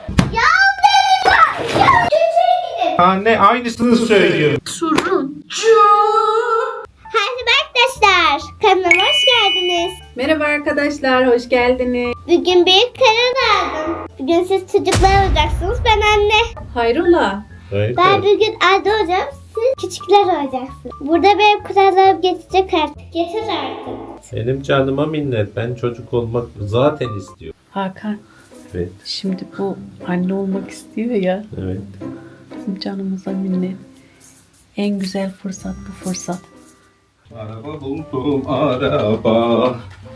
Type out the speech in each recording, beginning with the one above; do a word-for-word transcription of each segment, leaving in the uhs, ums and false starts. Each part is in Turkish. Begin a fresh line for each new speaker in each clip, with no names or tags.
Ya benim var. Ya kötüye gidin.
Anne aynısını söylüyor.
Turuncu.
Merhaba arkadaşlar. Kanalıma hoş geldiniz.
Merhaba arkadaşlar, hoş geldiniz.
Bugün bir karar aldım. Bugün siz çocuklar olacaksınız, ben anne.
Hayrola?
Evet.
Ben bugün anne olacağım, siz küçükler olacaksınız. Burada benim kurallarım geçecek artık. Getir artık.
Benim canıma minnet. Ben çocuk olmak zaten istiyorum.
Hakan,
Evet.
şimdi bu anne olmak istiyor ya.
Evet.
Bizim canımıza minnet. En güzel fırsat bu fırsat.
Araba buldum araba.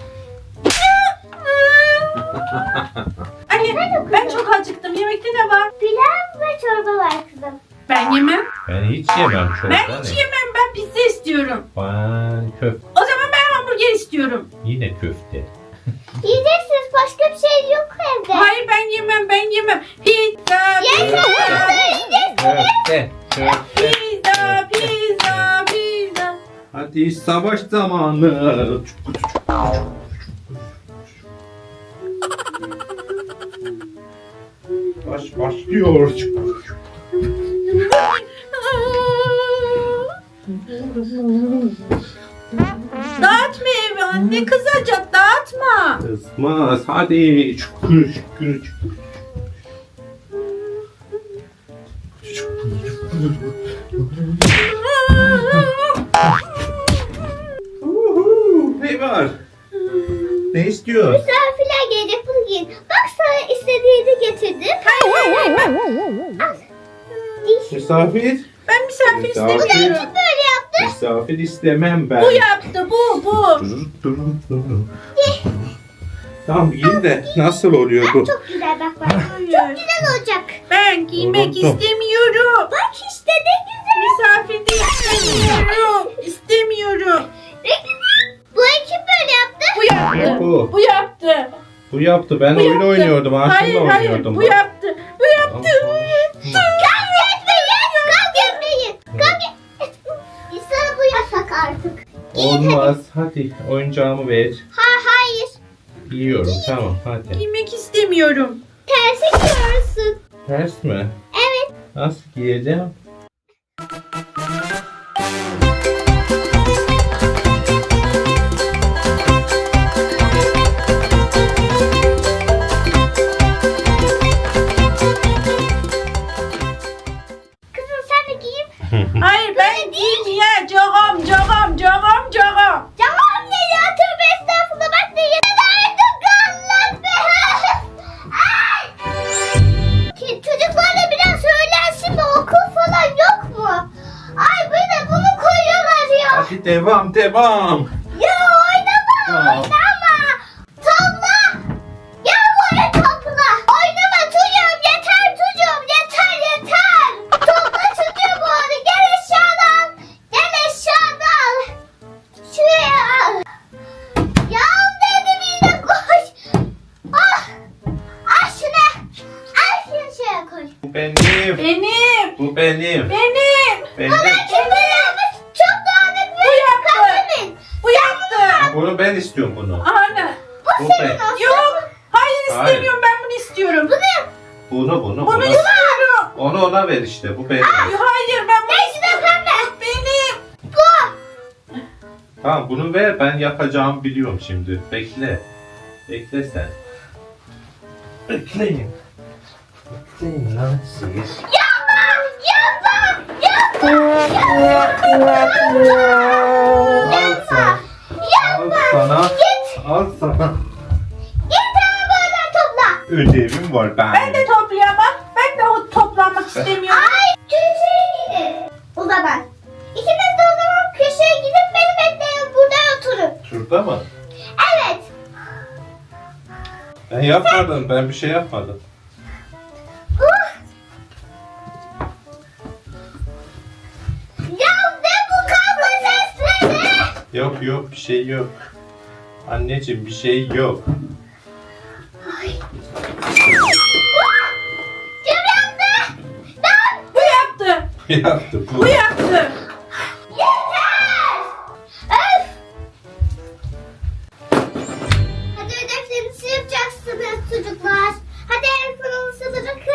Anne, ben çok acıktım. Yemekte ne var?
Pilav ve çorba var kızım.
Ben yemem.
Ben hiç yemem çorba.
Ben hiç yemem. Ben pizza istiyorum.
Ben köfte.
O zaman ben hamburger istiyorum.
Yine köfte.
Yiyeceksiniz, başka bir şey yok evde.
Hayır, ben yemem. Ben yemem. Pizza,
Yeter,
pizza,
yiyeceksiniz.
Köfte. Köfte.
pizza, pizza, pizza.
Hadi savaş zamanı. Baş başlıyor.
Dağıtma evi anne, kızacak, dağıtma.
Kızmaz. Hadi. Çukur çukur çukur. Uhu, ne var? Ne istiyor?
Misafirler gelecek bugün. Bak sana istediğini getirdim. Al. Diş.
Misafir?
Ben misafir
Misafir.
istemiyorum.
Böyle yaptı.
Misafir istemem ben.
Bu yaptı, bu, bu.
Tamam giyin de nasıl oluyor bu?
Çok güzel bak bak.
Hayır.
Güzel olacak.
Ben giymek
Unuttum.
istemiyorum.
Bak işte ne güzel.
Misafir de istemiyorum. İstemiyorum.
Ne güzel. Bu ekip böyle yaptı.
Bu yaptı.
Bu.
Bu yaptı.
Bu yaptı. Ben
Bu
oyun
yaptı.
oynuyordum.
Hayır,
Aşkımla
hayır.
oynuyordum.
Bu yaptı. Bu yaptı.
Kavga etmeyin. Kavga etmeyin. Kavga İnsan bu yasak artık.
Olmaz. Hadi oyuncağımı ver.
Ha hayır.
Yiyorum. Tamam hadi.
Giymek istemiyorum.
Tersi giyiyorsun.
Ters mi?
Evet.
Nasıl giyeceğim?
Kızım sen de giyin.
Hayır, ben giymeyeceğim. Cagam, cagam, cagam, cagam.
Tamam ne ya, tövbe estağfurullah, bak ne yemeğe Allah be. Ay. Ki çocuklarla biraz söylensin mi, okul falan yok mu? Ay bir de bunu koyuyorlar ya.
Hadi devam devam.
Ya oynama
Tamam.
oynama. Topla. Gel buraya topla. Oynama çocuğum, yeter çocuğum, yeter yeter. Topla çocuğum onu, gel eşyalı al. Gel eşyalı al. Şuraya al. Ya dedim yine koş. Ah. Al şunu. Al şunu şuraya koy.
Bu benim.
Benim.
Bu benim.
Benim.
Benim.
Bana kim böyle yapmış? Çok dağınık ve
Bu yaptı.
kabulün.
Bu yaptı.
Bunu ben istiyorum bunu.
Ana.
Bu
Bu
senin
ben.
olsun.
Yok. Hayır,
Hayır.
istemiyorum. Ben bunu istiyorum.
Bunu
Bunu bunu.
Bunu
Bunu,
istiyorum.
onu ona ver işte. Bu benim.
Hayır, ben bunu
neyse
istiyorum.
pembe.
Benim.
Bu.
Tamam bunu ver. Ben yapacağımı biliyorum şimdi. Bekle. Bekle sen. Bekleyin. Bekleyin lan siz.
Yapma. Yapma. Yapma.
Al sana. Al sana.
Git.
Al sana.
Git hemen böyle topla.
Ödevim var ben.
Ben de toplayamam. Ben de o toplanmak istemiyorum.
Ay köşeye gidin. O zaman. İkiniz de o zaman köşeye gidip beni bekleyin. Burada oturun.
Şurada mı?
Evet.
Ben yapmadım. Ben bir şey yapmadım.
Uh. Ya ne bu kavga sesleri?
Yok yok bir şey yok. Anneciğim bir şey yok.
Kim yaptı? Ben.
Bu yaptı.
Yaptı bu.
Bu yaptı.
Yeter. Öf. Hadi ödevlerinizi yapacaksınız çocuklar. Hadi el falan bırakın.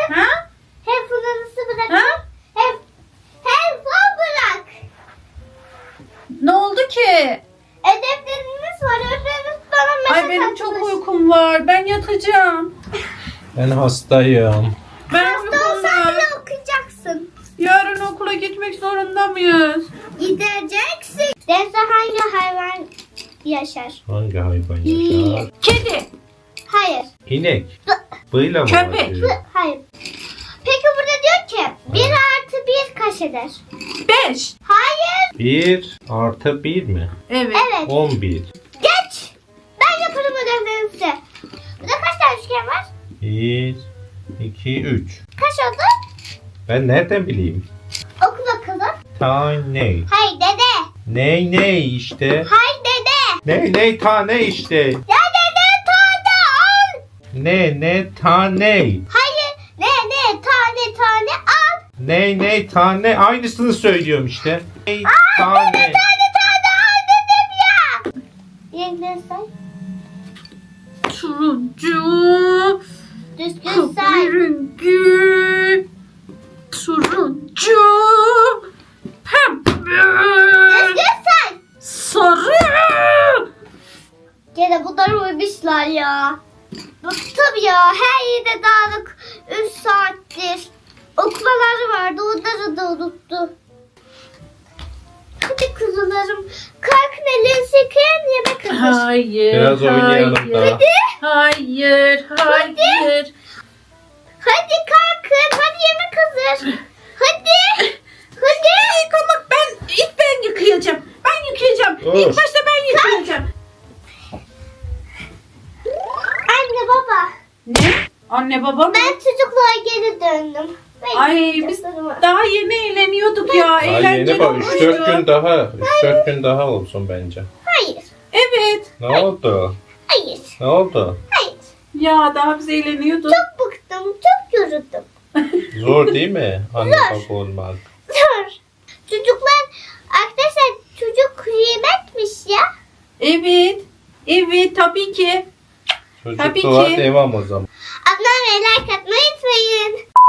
Ben hastayım.
Ben
Hasta olsan
okula-
bile okuyacaksın.
Yarın okula gitmek zorunda mıyız?
Gideceksin. Denizde hangi hayvan yaşar?
Hangi hayvan yaşar?
Kedi.
Hayır.
İnek. Bıyla mı
Köpek.
başlıyor?
Hayır. Peki burada diyor ki bir artı bir kaç eder?
Beş.
Hayır.
bir artı bir mi?
Evet.
Evet.
on bir.
Geç. Ben yaparım ödevlerinizi. Burada kaç tane üçgen var?
bir, iki, üç.
Kaç oldu?
Ben nereden bileyim?
Oku bakalım.
Tane.
Hayır dede.
Ney ney işte.
Hayır dede.
Ney ney tane işte.
Ya dede tane al.
Ne ne tane.
Hayır. Ne ne tane tane al.
Ney ney tane. Aynısını söylüyorum işte. Ney tane.
Tane tane al dedim ya. Yeniden say.
Turuncu.
Düzgün say.
Kahverengi. Turuncu. Pembe.
Düzgün say.
Sarı.
Gene bunlar uyumuşlar ya. Bıktım ya. Her yerde dağınık. Üç saattir. Okumaları vardı. Onları da unuttu. Hadi kuzularım. Kalkın elinizi yıkayın yemek hazır.
Hayır.
Biraz oynayalım
hayır.
daha.
Hayır. Hayır.
Hadi kalkın. Hadi yemek hazır. Hadi. Hadi.
Yıkamak ben ilk ben yıkayacağım. Ben yıkayacağım.
Of.
İlk başta ben yıkayacağım.
Anne baba.
Ne? Anne baba mı?
Ben çocukluğa geri döndüm. Ben
Ay
yıkayacağım
biz
sarımı.
daha yeni eğleniyorduk ya.
Ay
Eğlenceli
yeni bak
olmuştu.
üç dört gün daha. üç dört gün daha olsun bence.
Hayır.
Evet.
Ne oldu?
Hayır.
Ne oldu?
Hayır.
Ya daha biz eğleniyorduk.
Çok bıktım. Çok yoruldum.
Zor değil mi? Anne baba olmak.
Dur. Çocuklar arkadaşlar çocuk yemekmiş ya.
Evet. Evet tabii ki. Tabii
Çocukluğa
ki.
devam o zaman.
Ablam ve like atmayı unutmayın.